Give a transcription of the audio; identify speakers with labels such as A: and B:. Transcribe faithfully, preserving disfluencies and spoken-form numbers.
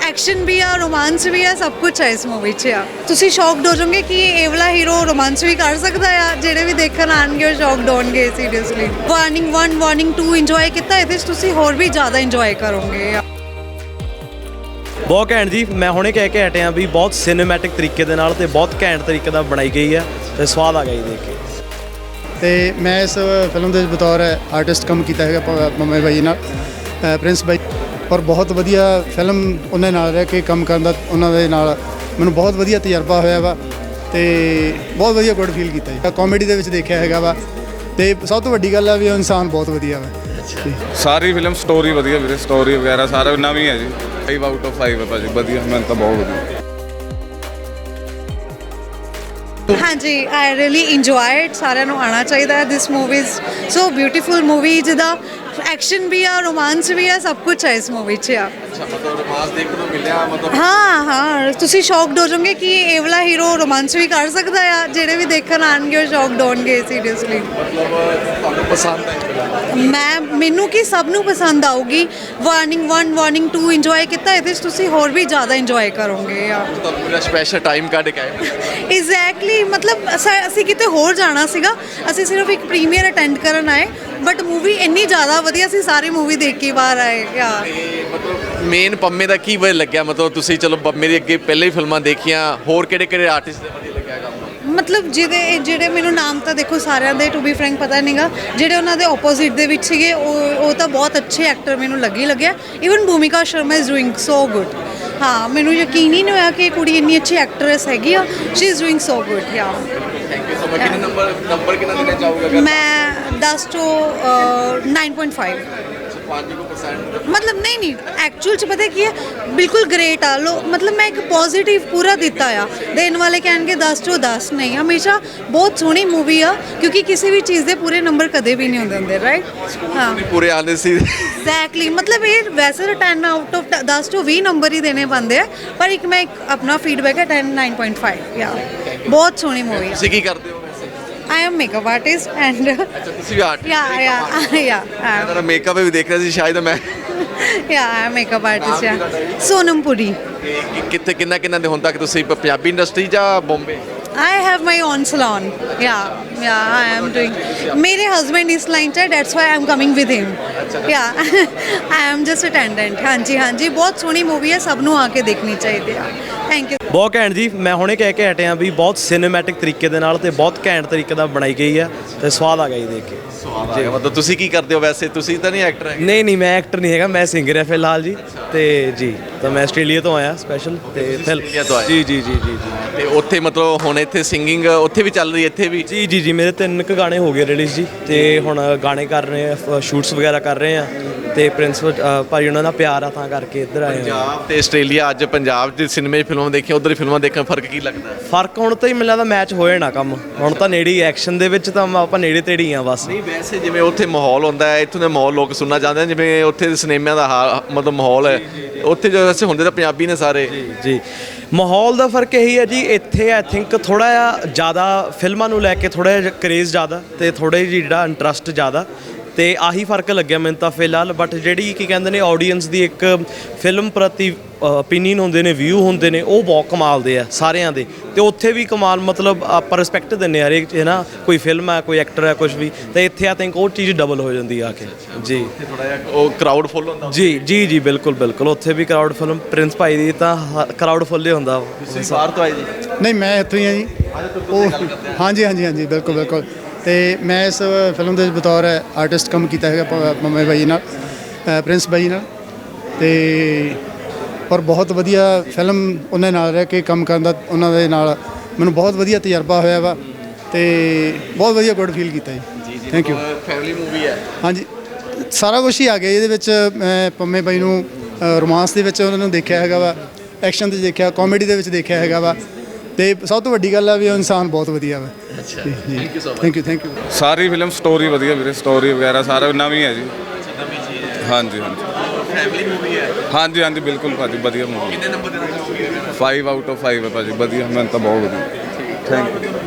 A: Action भी है, romance भी है, सब कुछ है इस मूवी च आ। तुसी शॉक्ड हो जाओगे कि ये वाला हीरो रोमांस भी कर सकता है। जेडे भी देखन आएंगे शॉक्ड होंगे seriously. Warning one warning two enjoy किया, ये तुसी होर भी ज़्यादा इंजॉय करोगे।
B: बहुत घैंट जी। मैं हुणे कह के हटिया भी बहुत सिनेमैटिक तरीके दे नाल ते बहुत घैंट तरीके दा बनाई गई है ते स्वाद आ गई देख के।
C: ਤੇ ਮੈਂ ਇਸ ਫਿਲਮ ਦੇ ਬਤੌਰ ਆਰਟਿਸਟ ਕੰਮ ਕੀਤਾ ਹੈਗਾ ਪ- ਪੰਮੇ ਬਾਈ ਨਾਲ, ਅ, ਪ੍ਰਿੰਸ ਬਾਈ, ਔਰ ਬਹੁਤ ਵਧੀਆ ਫਿਲਮ ਉਹਨਾਂ ਨਾਲ ਰਹਿ ਕੇ ਕੰਮ ਕਰਨ ਦਾ ਉਹਨਾਂ ਦੇ ਨਾਲ ਮੈਨੂੰ ਬਹੁਤ ਵਧੀਆ ਤਜਰਬਾ ਹੋਇਆ ਵਾ ਤੇ ਬਹੁਤ ਵਧੀਆ ਗੁੱਡ ਫੀਲ ਕੀਤਾ ਜੀ। ਕਾਮੇਡੀ ਦੇ ਵਿੱਚ ਦੇਖਿਆ ਹੈਗਾ ਵਾ ਤੇ ਸਭ ਤੋਂ ਵੱਡੀ ਗੱਲ ਆ ਵੀ ਉਹ ਇਨਸਾਨ ਬਹੁਤ ਵਧੀਆ ਵਾ।
D: ਸਾਰੀ ਫਿਲਮ ਸਟੋਰੀ ਵਧੀਆ ਵੀਰੇ, ਸਟੋਰੀ ਵਗੈਰਾ ਸਾਰਾ ਨਵੀਂ ਹੈ ਜੀ। ਫਾਈਵ ਆਊਟ ਆਫ ਫਾਈਵ ਹੈ ਭਾਜੀ, ਵਧੀਆ, ਮੈਨੂੰ ਤਾਂ ਬਹੁਤ ਵਧੀਆ।
A: हाँ जी, आई रियली इंजॉय इट। सारे आना चाहिए। This movie is so beautiful movie, जिदा एक्शन भी है, रोमांस भी है, सब कुछ है इस मूवी च आ। हाँ हाँ, तुसी शॉक्ड हो जाओगे कि ये वाला हीरो रोमांस भी कर सकता है। जेडे भी देखन आएंगे शॉक्ड होंगे सीरियसली। मैं मैनू कि सब नू पसंद आऊगी। Warning one warning two enjoy किया, ये तुसी होर भी ज़्यादा इंजॉय करोगे यार।
E: स्पेशल टाइम कढ के
A: एग्जैक्टली, मतलब ਅਸੀਂ ਕਿਤੇ ਹੋਰ ਜਾਣਾ ਸੀਗਾ, ਅਸੀਂ ਸਿਰਫ ਇੱਕ ਪ੍ਰੀਮੀਅਰ ਅਟੈਂਡ ਕਰਨ ਆਏ, ਬਟ ਮੂਵੀ ਇੰਨੀ ਜ਼ਿਆਦਾ ਵਧੀਆ ਸੀ, ਸਾਰੀ ਮੂਵੀ ਦੇਖ ਕੇ ਬਾਹਰ ਆਏ। ਯਾ
E: ਮਤਲਬ ਮੇਨ ਪੰਮੇ ਦਾ ਕੀ ਵਧੀਆ ਲੱਗਿਆ? ਮਤਲਬ ਤੁਸੀਂ ਚਲੋ ਪੰਮੇ ਦੀ ਅੱਗੇ ਪਹਿਲੇ ਹੀ ਫਿਲਮਾਂ ਦੇਖੀਆਂ, ਹੋਰ ਕਿਹੜੇ ਕਿਹੜੇ ਆਰਟਿਸਟ ਦੇ ਵਧੀਆ ਲੱਗਿਆ ਕੰਮ?
A: ਮਤਲਬ ਜਿਹਦੇ ਜਿਹੜੇ ਮੈਨੂੰ ਨਾਮ ਤਾਂ ਦੇਖੋ ਸਾਰਿਆਂ ਦੇ ਟੂ ਬੀ ਫਰੈਂਕ ਪਤਾ ਨਹੀਂਗਾ, ਜਿਹੜੇ ਉਹਨਾਂ ਦੇ ਆਪੋਜ਼ਿਟ ਦੇ ਵਿੱਚ ਸੀਗੇ ਉਹ ਉਹ ਤਾਂ ਬਹੁਤ ਅੱਛੇ ਐਕਟਰ ਮੈਨੂੰ ਲੱਗੀ ਲੱਗਿਆ। Even Bhumika Sharma is doing so good. ਹਾਂ, ਮੈਨੂੰ ਯਕੀਨ ਹੀ ਨਹੀਂ ਹੋਇਆ ਕਿ ਕੁੜੀ ਇੰਨੀ ਅੱਛੀ ਐਕਟਰੈਸ ਹੈਗੀ ਆ। She is doing so good. Yeah
E: thank you so much. ਕਿੰਨੇ ਨੰਬਰ ਨੰਬਰ ਕਿੰਨਾ ਦੇਣਾ ਚਾਹੋਗੇ?
A: ਮੈਂ ਦਸ ਤੋਂ ਨਾइन पॉइंट फाइव।
E: पाँच परसेंट
A: मतलब नहीं नहीं एक्चुअल च पता की है, बिल्कुल ग्रेट आ लो। मतलब मैं एक पॉजिटिव पूरा दिता आ। देन वाले कह दस चो दस नहीं, हमेशा बहुत सोहनी मूवी आ, क्योंकि किसी भी चीज़ के पूरे नंबर कदे भी नहीं होंदे होंदे, राइट? हाँ
E: पूरे आने सी
A: एग्जैक्टली। मतलब ये वैसे तो टेन आउट ऑफ दस टू भी नंबर ही देने बनते हैं, पर एक मैं एक अपना फीडबैक है टेन नाइन पॉइंट फाइव। या बहुत सोहनी मूवी।
E: ਤੁਸੀਂ ਕੀ ਕਰਦੇ ਹੋ?
A: I am makeup artist and
E: ਅੱਛਾ, ਤੁਸੀਂ ਵੀ ਆਰਟਿਸਟ?
A: या या या
E: ਮੇਰਾ ਮੇਕਅਪ ਵੀ ਦੇਖ ਰਿਹਾ ਸੀ ਸ਼ਾਇਦ ਮੈਂ।
A: या मेकअप आर्टिस्ट या सोनम पुरी।
E: ਕਿ- ਕਿੱਥੇ ਕਿੰਨਾ ਕਿੰਨਾ ਦੇ ਹੁਣ ਤੱਕ ਤੁਸੀਂ ਪ- ਪੰਜਾਬੀ ਇੰਡਸਟਰੀ ਜਾਂ Bombay?
A: I have my own salon. Yeah, yeah, I am doing. मेरे husband इस line च है, that's why I'm coming with him. Yeah, I am just attendant. हाँ जी हाँ जी, बहुत सोहनी मूवी है, सब नू आके देखनी चाहिए। Thank you.
B: ਬਹੁਤ ਘੈਂਟ ਜੀ। ਮੈਂ ਹੁਣੇ ਕਹਿ ਕੇ ਹਟਿਆ ਵੀ ਬਹੁਤ ਸਿਨੇਮੈਟਿਕ ਤਰੀਕੇ ਦੇ ਨਾਲ ਤੇ ਬਹੁਤ ਘੈਂਟ ਤਰੀਕੇ ਦਾ ਬਣਾਈ ਗਈ ਹੈ ਤੇ ਸਵਾਦ ਆ ਗਿਆ ਜੀ ਦੇਖ ਕੇ।
E: ਜੀ, ਮਤਲਬ ਤੁਸੀਂ ਕੀ ਕਰਦੇ ਹੋ ਵੈਸੇ? ਤੁਸੀਂ ਤਾਂ ਨਹੀਂ ਐਕਟਰ ਹੈਗੇ?
B: ਨਹੀਂ ਨਹੀਂ, ਮੈਂ ਐਕਟਰ ਨਹੀਂ ਹੈਗਾ, ਮੈਂ ਸਿੰਗਰ ਹਾਂ ਫਿਲਹਾਲ ਜੀ। ਤੇ ਜੀ, ਤਾਂ ਮੈਂ ਆਸਟ੍ਰੇਲੀਆ ਤੋਂ ਆਇਆ ਸਪੈਸ਼ਲ ਤੇ ਫਿਲ-
E: ਆਸਟ੍ਰੇਲੀਆ ਤੋਂ ਆਏ?
B: ਜੀ ਜੀ ਜੀ ਜੀ ਜੀ
E: ਤੇ ਉੱਥੇ ਮਤਲਬ ਹੁਣ ਇੱਥੇ ਸਿੰਗਿੰਗ ਉੱਥੇ ਵੀ ਚੱਲ ਰਹੀ ਹੈ, ਇੱਥੇ ਵੀ?
B: ਜੀ ਜੀ ਜੀ ਮੇਰੇ ਤਿੰਨ ਕੁ ਗਾਣੇ ਹੋ ਗਏ ਰਿਲੀਜ਼ ਜੀ, ਤੇ ਹੁਣ ਗਾਣੇ ਕਰ ਰਹੇ ਆ, ਸ਼ੂਟਸ ਵਗੈਰਾ ਕਰ ਰਹੇ ਆ, ਤੇ ਪ੍ਰਿੰਸ ਅ, ਭਾਈ ਉਹਨਾਂ ਦਾ ਪਿਆਰ ਆ ਤਾਂ ਕਰਕੇ ਇੱਧਰ ਆਏ ਹੋਏ ਆ।
E: ਪੰਜਾਬ ਤੇ ਆਸਟ੍ਰੇਲੀਆ, ਅੱਜ ਪੰਜਾਬ ਦੇ ਸਿਨੇਮੇ 'ਚ ਫਿਲਮਾਂ ਦੇਖੀਆਂ, ਉਧਰ ਫਿਲਮਾਂ ਦੇਖਣ ਫਰਕ ਕੀ ਲੱਗਦਾ?
B: ਫਰਕ ਹੁਣ ਤਾਂ ਹੀ ਮੈਨੂੰ ਲੱਗਦਾ ਮੈਚ ਹੋ ਜਾਣਾ ਕੰਮ। ਹੁਣ ਤਾਂ ਨੇੜੇ ਹੀ ਐਕਸ਼ਨ ਦੇ ਵਿੱਚ ਤਾਂ ਆਪਾਂ ਨੇੜੇ ਤੇੜੇ ਹੀ ਆ ਬਸ।
E: ਨਹੀਂ ਵੈਸੇ ਜਿਵੇਂ ਉੱਥੇ ਮਾਹੌਲ ਹੁੰਦਾ ਹੈ, ਇੱਥੋਂ ਦਾ ਮਾਹੌਲ ਲੋਕ ਸੁਣਨਾ ਚਾਹੁੰਦੇ ਨੇ, ਜਿਵੇਂ ਉੱਥੇ ਦੇ ਸਿਨੇਮਿਆਂ ਦਾ ਹਾ- ਮਤਲਬ ਮਾਹੌਲ ਹੈ, ਉੱਥੇ ਜੋ ਵੈਸੇ ਹੁੰਦੇ ਤਾਂ ਪੰਜਾਬੀ ਨੇ ਸਾਰੇ।
B: ਜੀ, ਮਾਹੌਲ ਦਾ ਫਰਕ ਇਹੀ ਹੈ ਜੀ। ਇੱਥੇ ਆਈ ਥਿੰਕ ਥੋੜ੍ਹਾ ਜਿਹਾ ਜ਼ਿਆਦਾ ਫਿਲਮਾਂ ਨੂੰ ਲੈ ਕੇ ਥੋੜ੍ਹਾ ਜਿਹਾ ਕਰੇਜ਼ ਜ਼ਿਆਦਾ ਤੇ ਥੋੜ੍ਹਾ ਜਿਹਾ ਜਿਹੜਾ ਇੰਟਰਸਟ ਜ਼ਿਆਦਾ, ਤੇ ਆਹੀ ਫਰਕ ਲੱਗਿਆ ਮੈਨੂੰ ਤਾਂ ਫਿਲਹਾਲ। ਬਟ ਜਿਹੜੀ ਕੀ ਕਹਿੰਦੇ ਨੇ ਆਡੀਅנס ਦੀ ਇੱਕ ਫਿਲਮ ਪ੍ਰਤੀ ਓਪੀਨੀਅਨ ਹੁੰਦੇ ਨੇ, ਵਿਊ ਹੁੰਦੇ ਨੇ, ਉਹ ਬਹੁਤ ਕਮਾਲ ਦੇ ਆ ਸਾਰਿਆਂ ਦੇ। ਤੇ ਉੱਥੇ ਵੀ ਕਮਾਲ, ਮਤਲਬ ਆਪਾਂ ਰਿਸਪੈਕਟ ਦਿੰਦੇ ਆ ਹਰੇਕ ਹੈ ਨਾ, ਕੋਈ ਫਿਲਮ ਹੈ, ਕੋਈ ਐਕਟਰ ਹੈ, ਕੁਝ ਵੀ, ਤੇ ਇੱਥੇ ਆਈ ਥਿੰਕ ਉਹ ਚੀਜ਼ ਡਬਲ ਹੋ ਜਾਂਦੀ ਆ ਕੇ। ਜੀ
E: ਥੋੜਾ ਜਿਹਾ ਉਹ ਕਰਾਊਡ ਫੁੱਲ ਹੁੰਦਾ?
B: ਜੀ ਜੀ ਜੀ ਬਿਲਕੁਲ ਬਿਲਕੁਲ, ਉੱਥੇ ਵੀ ਕਰਾਊਡ ਫਿਲਮ ਪ੍ਰਿੰਸ ਭਾਈ ਦੀ ਤਾਂ ਕਰਾਊਡ ਫੁੱਲ ਹੀ ਹੁੰਦਾ।
E: ਤੁਸੀਂ ਬਾਹਰ ਤੋਂ ਆਏ ਜੀ?
C: ਨਹੀਂ, ਮੈਂ ਇੱਥੋਂ ਹੀ ਆ ਜੀ। ਉਹ ਹਾਂਜੀ ਹਾਂਜੀ ਹਾਂਜੀ, ਬਿਲਕੁਲ ਬਿਲਕੁਲ। ਤੇ ਮੈਂ ਇਸ ਫਿਲਮ ਦੇ ਬਤੌਰ ਆਰਟਿਸਟ ਕੰਮ ਕੀਤਾ ਹੈਗਾ ਪ- ਪੰਮੇ ਬਾਈ ਨਾਲ, ਅ, ਪ੍ਰਿੰਸ ਬਾਈ ਨਾਲ, ਤੇ ਔਰ ਬਹੁਤ ਵਧੀਆ ਫਿਲਮ ਉਹਨਾਂ ਨਾਲ ਰਹਿ ਕੇ ਕੰਮ ਕਰਨ ਦਾ ਉਹਨਾਂ ਦੇ ਨਾਲ ਮੈਨੂੰ ਬਹੁਤ ਵਧੀਆ ਤਜਰਬਾ ਹੋਇਆ ਵਾ ਤੇ ਬਹੁਤ ਵਧੀਆ ਗੁੱਡ ਫੀਲ ਕੀਤਾ ਜੀ। Thank you.
E: ਫੈਮਿਲੀ ਮੂਵੀ ਹੈ? ਹਾਂਜੀ,
C: ਸਾਰਾ ਕੁਛ ਹੀ ਆ ਗਿਆ ਇਹਦੇ ਵਿੱਚ। ਮੈਂ ਪੰਮੇ ਬਾਈ ਨੂੰ ਰੋਮਾਂਸ ਦੇ ਵਿੱਚ ਉਹਨਾਂ ਨੂੰ ਦੇਖਿਆ ਹੈਗਾ ਵਾ, ਐਕਸ਼ਨ 'ਤੇ ਦੇਖਿਆ, ਕਾਮੇਡੀ ਦੇ ਵਿੱਚ ਦੇਖਿਆ ਹੈਗਾ ਵਾ, ਤੇ ਸਭ ਤੋਂ ਵੱਡੀ ਗੱਲ ਆ ਵੀ ਉਹ ਇਨਸਾਨ ਬਹੁਤ ਵਧੀਆ ਵਾ।
E: ਅੱਛਾ,
C: thank you thank you thank you.
D: ਸਾਰੀ ਫਿਲਮ ਸਟੋਰੀ ਵਧੀਆ ਵੀਰੇ, ਸਟੋਰੀ ਵਗੈਰਾ ਸਾਰਾ ਨਵੀਂ ਹੈ ਜੀ। ਹਾਂਜੀ ਹਾਂਜੀ,
E: ਫੈਮਿਲੀ ਮੂਵੀ ਹੈ?
D: ਹਾਂਜੀ ਹਾਂਜੀ ਬਿਲकुल ਭਾਜੀ, ਵਧੀਆ ਮੂਵੀ।
E: ਕਿੰਨੇ ਨੰਬਰ ਦੇਣਾ ਚਾਹੋਗੇ?
D: ਫਾਈਵ ਆਊਟ ਆਫ ਫਾਈਵ ਹੈ ਭਾਜੀ, ਵਧੀਆ, ਮੈਨੂੰ ਤਾਂ ਬਹੁਤ ਵਧੀਆ। Thank you.